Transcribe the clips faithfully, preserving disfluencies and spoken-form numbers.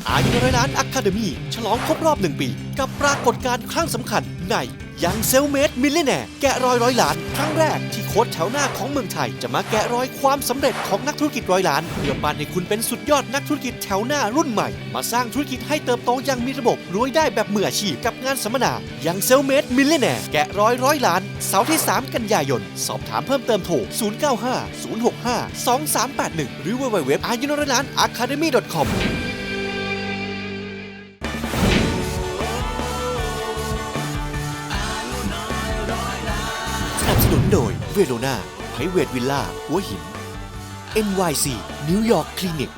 อายุร้อยล้านอะคาเดมี่ฉลองครบรอบหนึ่งปีกับปรากฏการณ์ครั้งสำคัญในยังเซลเมดมิลเลนแนร์แกะรอยร้อยล้านครั้งแรกที่โค้ชแถวหน้าของเมืองไทยจะมาแกะรอยความสำเร็จของนักธุรกิจร้อยล้านเพื่อปั้นให้คุณเป็นสุดยอดนักธุรกิจแถวหน้ารุ่นใหม่มาสร้างธุรกิจให้เติบโตอย่างมีระบบรวยได้แบบมืออาชีพกับงานสัมมนายังเซลเมดมิลเลนแนร์แกะรอยร้อยล้านเสาร์ที่สามกันยายนสอบถามเพิ่มเติมโทรศูนย์ เก้า ห้า ศูนย์ หก ห้า สอง สาม แปด หนึ่งหรือ ดับเบิลยู ดับเบิลยู ดับเบิลยู ดอท อายุร้อยล้าน อะคาเดมี่ ดอท คอมสนับสนุนโดยเวโรนาไพรเวทวิลล่าหัวหิน เอ็น วาย ซี นิวยอร์กคลินิก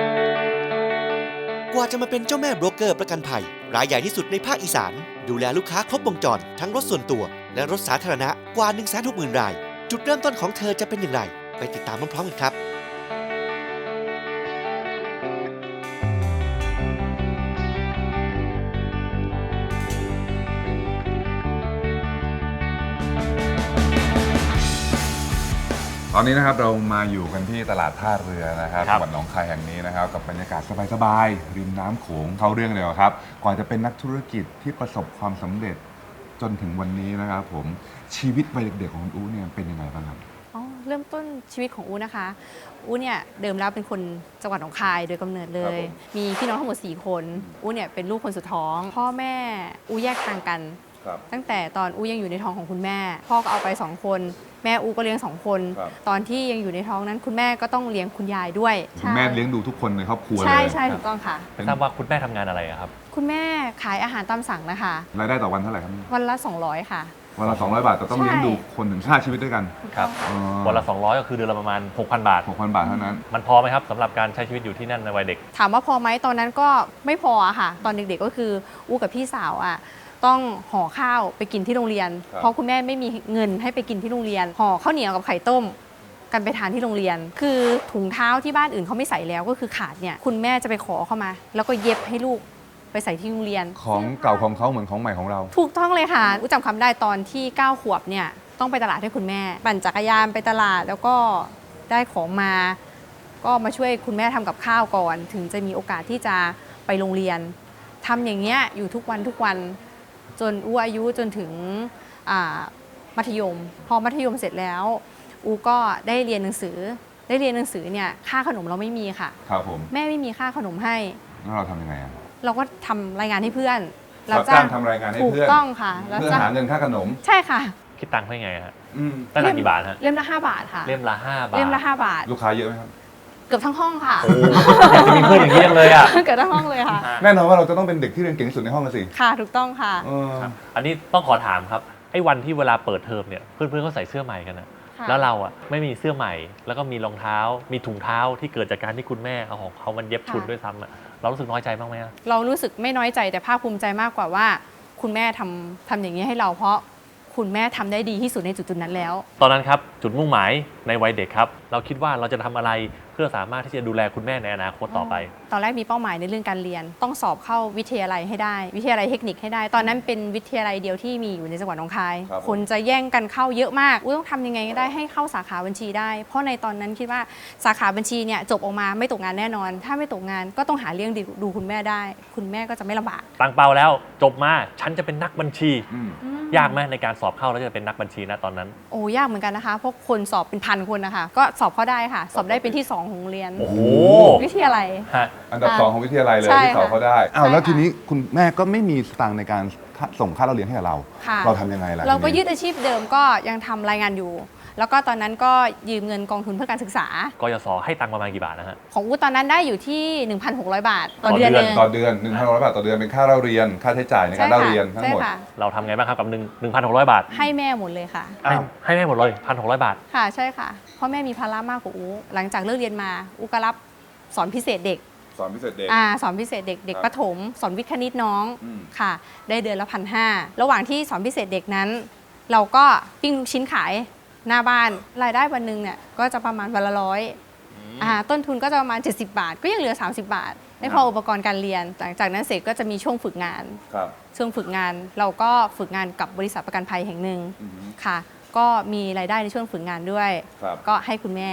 กว่าจะมาเป็นเจ้าแม่โบรกเกอร์ประกันภัยรายใหญ่ที่สุดในภาคอีสานดูแลลูกค้าครบวงจรทั้งรถส่วนตัวและรถสาธารณะกว่า หนึ่งแสนหกหมื่น รายจุดเริ่มต้นของเธอจะเป็นอย่างไรไปติดตามพร้อมๆกันครับตอนนี้นะครับเรามาอยู่กันที่ตลาดท่าเรือนะครับครัจับงหวัดหนองคายแห่งนี้นะครับกับบรรยากาศสบายๆริมน้ำโขงเข้าเรื่องเลยครับก่อนจะเป็นนักธุรกิจที่ประสบความสำเร็จจนถึงวันนี้นะครับผมชีวิตวัยเด็กๆของคุณอู๋เนี่ยเป็นยังไงบ้างครับอ๋อเริ่มต้นชีวิตของอูนะคะอูเนี่ยเดิมแล้วเป็นคนจังหวัดหนองคายโดยกำเนิดเลย มีพี่น้องทั้งหมดสี่คนอูเนี่ยเป็นลูกคนสุดท้อง พ่อแม่อูแยกทางกัน ตั้งแต่ตอนอูยังอยู่ในท้องของคุณแม่ พ่อก็เอาไปสองคนแม่อูก็เลี้ยงสองคน ตอนที่ยังอยู่ในท้องนั้นคุณแม่ก็ต้องเลี้ยงคุณยายด้วยคุณแม่เลี้ยงดูทุกคนในครอบครัวเลยใช่ใช่ถูกต้องค่ะไม่ทราบว่าคุณแม่ทำงานอะไรอะครับคุณแม่ขายอาหารตามสั่งนะคะรายได้ต่อวันเท่าไหร่ครับวันละสองร้อยค่ะวันละสองร้อยบาทแต่ต้องใช่เลี้ยงดูคนถึงห้าชีวิตด้วยกันครับอ๋อวันละสองร้อยก็คือเดือนละประมาณ หกพัน บาทหกพันบาทเท่านั้นมันพอไหมครับสำหรับการใช้ชีวิตอยู่ที่นั่นในวัยเด็กถามว่าพอไหมตอนนั้นก็ไม่พออะค่ะ ตอนเด็กๆก็คืออู้กับพี่สาวอะต้องห่อข้าวไปกินที่โรงเรียนครับเพราะคุณแม่ไม่มีเงินให้ไปกินที่โรงเรียนห่อข้าวเหนียวกับไข่ต้ม กันไปทานที่โรงเรียน คือถุงเท้าที่บ้านอื่นเขาไม่ใส่แล้วก็คือขาดเนี่ยคุณแม่จะไปขอเข้ามา แล้วก็เย็บให้ลูกไปใส่ที่โรงเรียนของเก่าของเขาเหมือนของใหม่ของเราถูกต้องเลยค่ะอู้จำคำได้ตอนที่เก้าขวบเนี่ยต้องไปตลาดให้คุณแม่ ปั่นจักรยานไปตลาดแล้วก็ได้ของมา ก็มาช่วยคุณแม่ทำกับข้าวก่อน ถึงจะมีโอกาสที่จะไปโรงเรียนทำอย่างเงี้ยอยู่ทุกวันทุกวันจนอู้อายุจนถึงมัธยม พอมัธยมเสร็จแล้วอูก็ได้เรียนหนังสือ ได้เรียนหนังสือเนี่ยค่าขนมเราไม่มีค่ะครับผมแม่ไม่มีค่าขนมให้แล้วเราทำยังไงอะเราก็ทำรายงานให้เพื่อนรับจ้างทำรายงานให้ถูกเพื่อนต้องค่ะรับเพื่อจ้างหาเงินค่าขนมใช่ค่ะคิดตังค์ให้ไงฮะอืมตั้งแต่กี่บาทฮะเล่มละห้าบาทค่ะเล่มละห้าบาทเล่มละห้าบาทลูกค้าเยอะไหมครับเกือบทั้งห้องค่ะโอ้อยากจะมีเพื่อนอย่างนี้จังเลยอ่ะเกือบทั้งห้องเลยค่ะแน่นอนว่าเราจะต้องเป็นเด็กที่เรียนเก่งที่สุดในห้องกันสิค่ะถูกต้องค่ะเออครับอันนี้ต้องขอถามครับไอ้วันที่เวลาเปิดเทอมเนี่ยเพื่อนๆเขาใส่เสื้อใหม่กันนะค่ะแล้วเราอ่ะไม่มีเสื้อใหม่ แล้วก็มีรองเท้า มีถุงเท้าที่เกิดจากการที่คุณแม่เอาของเขามันเย็บชุดด้วยซ้ำอ่ะเรารู้สึกน้อยใจบ้างไหมอะเรารู้สึกไม่น้อยใจแต่ภาคภูมิใจมากกว่าว่า คุณแม่ทำทำอย่างนี้ให้เราเพราะคุณแม่ทำได้ดีที่สุดในจุดๆนั้นแล้วตอนนั้นครับจุดมุ่งหมายในวัยเด็กครับเราคิดว่าเราจะทำอะไรเพื่อสามารถที่จะดูแลคุณแม่ในอนาคตต่อไปตอนแรกมีเป้าหมายในเรื่องการเรียน ต้องสอบเข้าวิทยาลัยให้ได้ วิทยาลัยเทคนิคให้ได้ ตอนนั้นเป็นวิทยาลัยเดียวที่มีอยู่ในจังหวัดหนองคายครับผมคนจะแย่งกันเข้าเยอะมากอุ๊ยต้องทำยังไงก็ได้ให้เข้าสาขาบัญชีได้ เพราะในตอนนั้นคิดว่าสาขาบัญชีเนี่ยจบออกมาไม่ตกงานแน่นอน ถ้าไม่ตกงานก็ต้องหาเลี้ยงดูคุณแม่ได้ คุณแม่ก็จะไม่ลำบากตั้งเป้าแล้วจบมาฉันจะเป็นนักบัญชีอืมยากไหมในการสอบเข้าแล้วจะเป็นนักบัญชีนะตอนนั้นโอ้ยากเหมือนกันนะคะเพราะคนสอบเป็นพันคนนะคะก็สอบเข้าได้ค่ะ สอบได้เป็นที่สองของโรงเรียนโอ้โหวิทยาลัยฮะอันดับสองของวิทยาลัยเลยใช่ที่สอบค่ะเขาได้อ้าวใช่แล้วค่ะทีนี้คุณแม่ก็ไม่มีสตางค์ในการส่งค่าเราเรียนให้กับเราค่ะเราทำยังไงล่ะเราก็ทีนี้ยึดอาชีพเดิมก็ยังทำรายงานอยู่ แล้วก็ตอนนั้นก็ยืมเงินกองทุนเพื่อการศึกษากยศให้ตังค์ประมาณกี่บาทนะฮะของอูตอนนั้นได้อยู่ที่ หนึ่งพันหกร้อย บาท ต่อเดือนต่อเดืเออนงต่อเดือนหนึ่งพันร้อยบาทต่อเดือนเป็นค่าเราเรียนค่าใช้จ่ายในการเล่าเรียนทั้งใช่หมดค่ะเราทำไงบ้างครับกับหนึ่งหนึ่งพันหกร้อยบาทให้แม่หมดเลยค่ะอ้าวให้แม่หมดเลยพันหกร้อยบาทค่ะใช่ค่ะเพราะแม่มีภาระมากกว่าอูหลังจากเลิกเรียนมาอูก็รับสอนพิเศษเด็กสอนพิเศษเด็กอ่าสอนพิเศษเด็กเด็กครับประถม สอนวิทย์คณิตน้องอืมค่ะ ได้เดือนละพันห้าระหว่างที่สอนพิเศษเด็กนั้น เราก็ปิ้งลูกชิ้นขายหน้าบ้านรายได้วันหนึ่งเนี่ยก็จะประมาณวันละร้อยอ่าต้นทุนก็จะประมาณเจ็ดสิบบาท ก็ยังเหลือสามสิบบาทไม่พออุปกรณ์การเรียน หลังจากนั้นเสร็จก็จะมีช่วงฝึกงานครับช่วงฝึกงานเราก็ฝึกงานกับบริษัทประกันภัยแห่งหนึ่งอือฮึค่ะ ก็มีรายได้ในช่วงฝึกงานด้วยครับก็ให้คุณแม่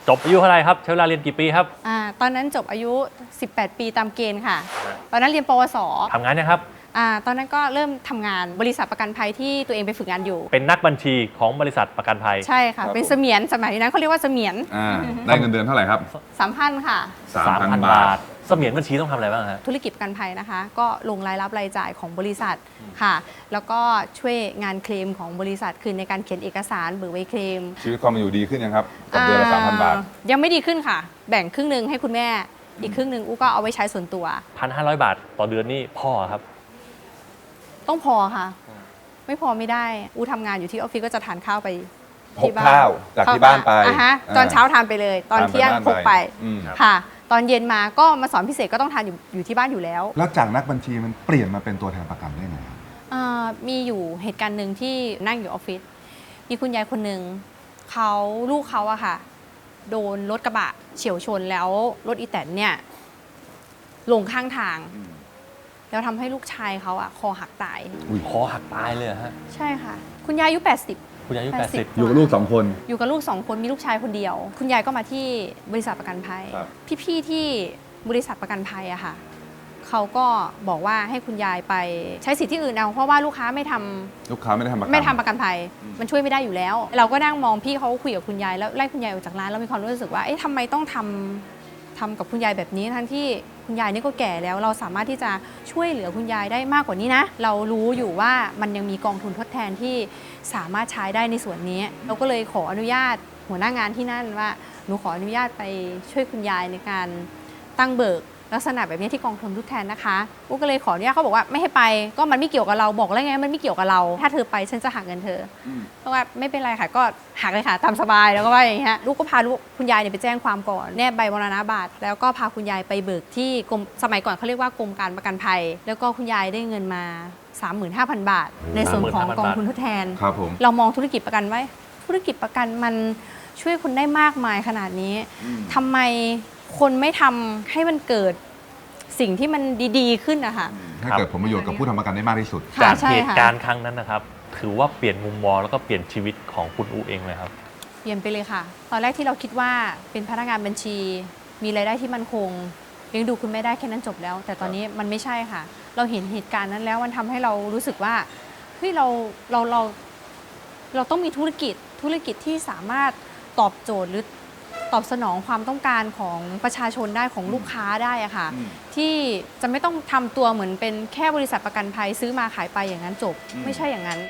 จบอายุเท่าไหร่ครับใช้เวลาเรียนกี่ปีครับอ่าตอนนั้นจบอายุ สิบแปด ปีตามเกณฑ์ค่ะ ตอนนั้นเรียนปวสทำงานนะครับอ่าตอนนั้นก็เริ่มทำงานบริษัทประกันภัยที่ตัวเองไปฝึกงานอยู่เป็นนักบัญชีของบริษัทประกันภัยใช่ค่ะ เป็นเสมียนสมัยนั้นเขาเรียกว่าเสมียนอ่าได้เงินเดือนเท่าไหร่ครับสามพันค่ะสามพันบาทเสมียนบัญชีต้องทำอะไรบ้างฮะธุรกิจประกันภัยนะคะ ก็ลงรายรับรายจ่ายของบริษัทค่ะ แล้วก็ช่วยงานเคลมของบริษัทคือในการเขียนเอกสารเบิกใบเคลมชีวิตความเป็นอยู่ดีขึ้นยังครับ กับเดือนละสามพันบาทอ่ยังไม่ดีขึ้นค่ะ แบ่งครึ่งหนึ่งให้คุณแม่ อีกครึ่งหนึ่งอู้ก็เอาไว้ใช้ส่วนตัวพันห้าร้อยบาทต่อเดือนนี่พ่อครับต้องพอค่ะ ไม่พอไม่ได้ อู้ทำงานอยู่ที่ออฟฟิศก็จะทานข้าวไปพกที่บ้นข้าวจากที่บ้านไปอ่ะฮะตอนเช้าทานไปเลย ตอนเที่ยงพกไปอืมค่ะ ตอนเย็นมาก็มาสอนพิเศษก็ต้องทานอยู่อยู่ที่บ้านอยู่แล้วแล้วจากนักบัญชีมันเปลี่ยนมาเป็นตัวแทนประกันได้ไงครับเอ่อมีอยู่เหตุการณ์หนึ่งที่นั่งอยู่ออฟฟิศ มีคุณยายคนหนึ่งเขาลูกเขาอะค่ะ โดนรถกระบะเฉี่ยวชนแล้วรถอีแตนเนี่ยลงข้างทาง แล้วทำให้ลูกชายเขาอะคอหักตายคอหักตายเลยเหรอฮะใช่ค่ะ คุณยายอายุ แปดสิบคุณยายอายุแปแปดดสิสิบบอยู่กับลูกสองคนอยู่กับลูกสองคนมีลูกชายคนเดียว คุณยายก็มาที่บริษัทประกันภัยครับพี่ๆที่บริษัทประกันภัยอะค่ะเขาก็บอกว่าให้คุณยายไปใช้สิทธิ์ที่อื่นเอาเพราะว่าลูกค้าไม่ทำลูกค้าไม่ได้ทำประกันไม่ทำประกันภัย มันช่วยไม่ได้อยู่แล้ว เราก็นั่งมองพี่เขาคุยกับคุณยายแล้วไล่คุณยายออกจากร้านแล้วมีความรู้สึกว่าเอ๊ะทำไมต้องทำทำกับคุณยายแบบนี้ทั้งที่คุณยายนี่ก็แก่แล้ว เราสามารถที่จะช่วยเหลือคุณยายได้มากกว่านี้นะ เรารู้อยู่ว่ามันยังมีกองทุนทดแทนที่สามารถใช้ได้ในส่วนนี้ เราก็เลยขออนุญาตหัวหน้างานที่นั่นว่าหนูขออนุญาตไปช่วยคุณยายในการตั้งเบิกลักษณะแบบนี้ที่กองทุนทดแทนนะคะอุ๊ก็เลยขออนุญาตเขาบอกว่าไม่ให้ไปก็มันไม่เกี่ยวกับเราบอกแล้วไงมันไม่เกี่ยวกับเรา ถ้าเธอไปฉันจะหักเงินเธออเพราะว่าไม่เป็นไรค่ะก็หักเลยค่ะตามสบายแล้วก็ว่าอย่างเงี้ยลูกก็พาลูกคุณยายเนี่ยไปแจ้งความก่อนแนบใบมรณบัตรแล้วก็พาคุณยายไปเบิกที่กรมสมัยก่อนเขาเรียกว่ากรมการประกันภัย แล้วก็คุณยายได้เงินมา สามหมื่นห้าพัน บาท ในส่วนของกองทุนทดแทนครับผมเรามองธุรกิจประกันไว้ธุรกิจประกันมันช่วยคุณได้มากมายขนาดนี้ทำไมคนไม่ทำให้มันเกิดสิ่งที่มันดีๆขึ้นนะคะให้เกิดผลประโยชน์กับผู้ทำประกันได้มากที่สุดค่ะจากใช่เหตุค่ะการณ์ครั้งนั้นนะครับ ถือว่าเปลี่ยนมุมมองแล้วก็เปลี่ยนชีวิตของคุณอูเองเลยครับเปลี่ยนไปเลยค่ะ ตอนแรกที่เราคิดว่าเป็นพนักงานบัญชี มีรายได้ที่มั่นคงเลี้ยงดูคุณแม่ได้แค่นั้นจบแล้ว แต่ตอนนี้มันไม่ใช่ค่ะ เราเห็นเหตุการณ์นั้นแล้วมันทำให้เรารู้สึกว่าเฮ้ยเราเราเราเราต้องมีธุรกิจธุรกิจที่สามารถตอบโจทย์หรือตอบสนองความต้องการของประชาชนได้ของลูกค้าได้อะค่ะอืมที่จะไม่ต้องทำตัวเหมือนเป็นแค่บริษัทประกันภัยซื้อมาขายไปอย่างนั้นจบอืมไม่ใช่อย่างนั้น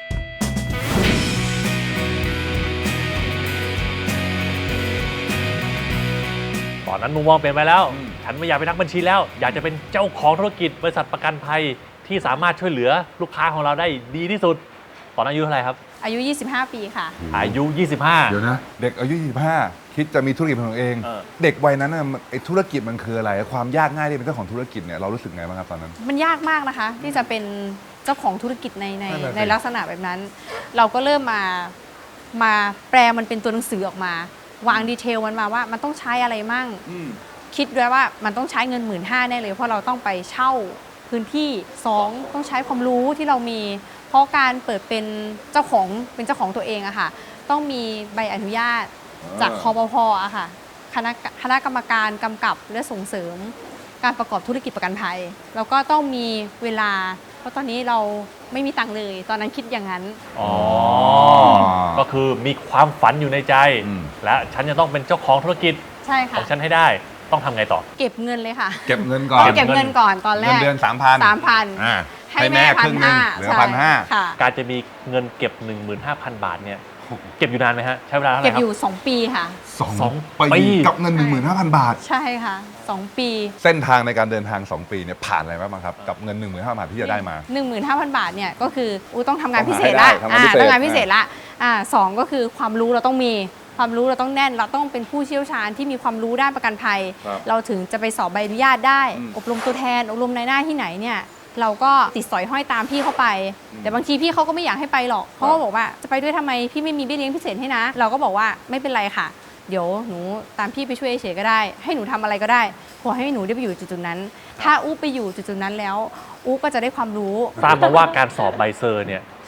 ตอนนั้นมุมมองเปลี่ยนไปแล้ว ฉันไม่อยากเป็นนักบัญชีแล้ว อยากจะเป็นเจ้าของธุรกิจบริษัทประกันภัยที่สามารถช่วยเหลือลูกค้าของเราได้ดีที่สุด ตอนนั้นอายุเท่าไหร่ครับอายุ ยี่สิบห้า ปีค่ะอายุ ยี่สิบห้าเดี๋ยวนะ เด็กอายุยี่สิบห้าคิดจะมีธุรกิจเป็นของตัวเองเออเด็กวัยนั้นน่ะมันไอ้ธุรกิจมันคืออะไร ความยากง่ายที่เป็นเจ้าของธุรกิจเนี่ยเรารู้สึกไงบ้างครับตอนนั้นมันยากมากนะคะ ที่จะเป็นเจ้าของธุรกิจในในนั่นน่ะสิในลักษณะแบบนั้น เราก็เริ่มมามาแปลมันเป็นตัวหนังสือออกมา วางดีเทลมันมาว่ามันต้องใช้อะไรมั่ง คิดด้วยว่ามันต้องใช้เงินหมื่นห้าแน่เลย เพราะเราต้องไปเช่าพื้นที่สองต้องใช้ความรู้ที่เรามี เพราะการเปิดเป็นเจ้าของเป็นเจ้าของตัวเองอะค่ะ ต้องมีใบอนุญาตจากคอปพอะค่ะคณะคณะกรรมการกำกับและส่งเสริม การประกอบธุรกิจประกันภัยแล้วก็ต้องมีเวลา เพราะตอนนี้เราไม่มีตังค์เลย ตอนนั้นคิดอย่างนั้นอ๋อ ก็คือมีความฝันอยู่ในใจอืมและฉันจะต้องเป็นเจ้าของธุรกิจใช่ขค่ะองฉันให้ได้ ต้องทำไงต่อเก็บเงินเลยค่ะเก็บเงินก่อนเก็บเงินก่อนตอนแรเงินกเดือนสามพันสามพันอ่าให้ให้แม่แม่พัครึ่นงหนึ่งห้าเหลือพันห้าค่ะการจะมีเงินเก็บ หนึ่งหมื่นห้าพัน บาทเนี่ย เก็บอยู่นานไหมฮะ ใช้เวลาเท่าไหเก็ร่บครัอบ ยู่ สอง ปีค่ะสองสองปีปีกับเงิน หนึ่งหมื่นห้าพัน บาทใช่ค่ะสองปีเส้นทางในการเดินทาง สอง ปีเนี่ยผ่านอะไรบ้างครับ กับเงิน หนึ่งหมื่นห้าพัน บาทที่จะได้มาหนึ่งหมื่นห้าพัน บาทเนี่ยก็คืออูต้องทำงานต้องพิหาเศษให้ได้ละทำงานพิเศษต้องงานพิเศษละอ่าสองก็คือความรู้เราต้องมีความรู้เราต้องแน่น เราต้องเป็นผู้เชี่ยวชาญที่มีความรู้ด้านประกันภัยครับเราถึงจะไปสอบใบอนุญาตได้อืมอบรมตัวแทนอบรมในหน้าที่ไหนเนี่ยเราก็ติดสอยห้อยตามพี่เข้าไป แต่บางทีพี่เขาก็ไม่อยากให้ไปหรอกเขาก็บอกว่าจะไปด้วยทำไมพี่ไม่มีเบี้ยเลี้ยงพิเศษให้นะ เราก็บอกว่าไม่เป็นไรค่ะ เดี๋ยวหนูตามพี่ไปช่วยเฉยก็ได้ ให้หนูทำอะไรก็ได้ขอให้หนูได้ไปอยู่จุดๆนั้น ถ้าอู้ไปอยู่จุดๆนั้นแล้วอู้ก็จะได้ความรู้ทราบมาว่าการสอบใบเซอร์เนี่ย ส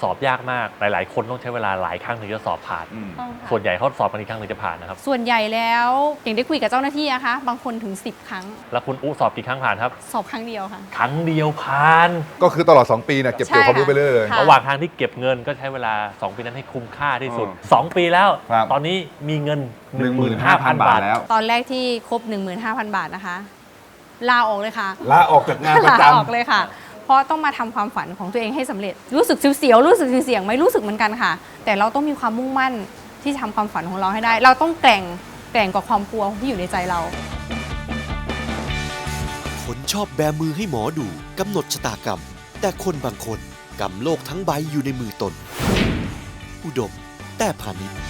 สอบยากมากหลาย ๆ คนต้องใช้เวลาหลายครั้งถึงจะสอบผ่านอืมต้องค่ะส่วนใหญ่เขาสอบกันอีกครั้งถึงจะผ่านนะครับส่วนใหญ่แล้วอย่างได้คุยกับเจ้าหน้าที่นะคะบางคนถึงสิบครั้งแล้วคุณอู้สอบกี่ครั้งผ่านครับสอบครั้งเดียวค่ะครั้งเดียวผ่านก็คือตลอด สอง ปีเนี่ยเก็บเกี่ยวความรู้ไปเรื่อยเลยค่ะระหว่างทางที่เก็บเงินก็ใช้เวลา สอง ปีนั้นให้คุ้มค่าที่สุดอ๋อสอง ปีแล้วครับตอนนี้มีเงินหนึ่งหมื่นห้าพัน 15,000 บาทแล้วตอนแรกที่ครบ หนึ่งหมื่นห้าพัน บาทนะคะ ลาออกเลยค่ะลาออกจากงานประลาจออกเลยค่ะ เพราะต้องมาทำความฝันของตัวเองให้สำเร็จ รู้สึกเสียวๆรู้สึกเสียงๆไหม่รู้สึกเหมือนกันค่ะ แต่เราต้องมีความมุ่งมั่นที่จะทำความฝันของเราให้ได้ เราต้องแกร่งแกร่งกว่าความกลัวที่อยู่ในใจเราคนชอบแบมือให้หมอดูกำหนดชะตากรรม แต่คนบางคนกำโลกทั้งใบอยู่ในมือตน อุดม แต่พาณิชย์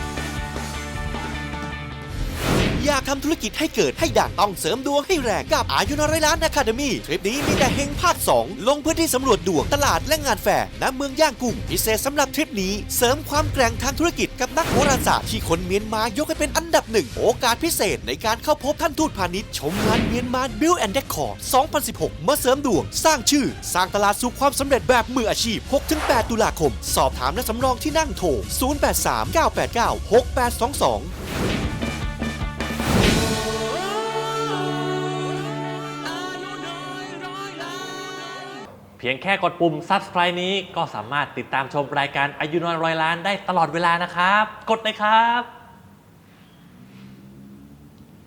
อยากทำธุรกิจให้เกิดให้ดังต้องเสริมดวงให้แรงกับอายุนร้อยล้านอะคาเดมี่ทริปนี้มีแต่เฮงภาคสองลงพื้นที่สำรวจดวงตลาดและงานแฟร์ณเมืองย่างกุ้งพิเศษสำหรับทริปนี้เสริมความแกร่งทางธุรกิจกับนักโหราศาสตร์ที่คนเมียนมายกให้เป็นอันดับหนึ่งโอกาสพิเศษในการเข้าพบท่านทูตพาณิชย์ชมงานเมียนมาบิลแอนด์เดคอร์สองพันสิบหกมาเสริมดวง สร้างชื่อ สร้างตลาดสู่ความสำเร็จแบบมืออาชีพ หกถึงแปด ตุลาคม สอบถามและสำรองที่นั่งโทร ศูนย์ แปด สาม เก้า แปด เก้า หก แปด สอง สองเพียงแค่กดปุ่ม Subscribe นี้ก็สามารถติดตามชมรายการอายุน้อยร้อยล้านได้ตลอดเวลานะครับ กดเลยครับ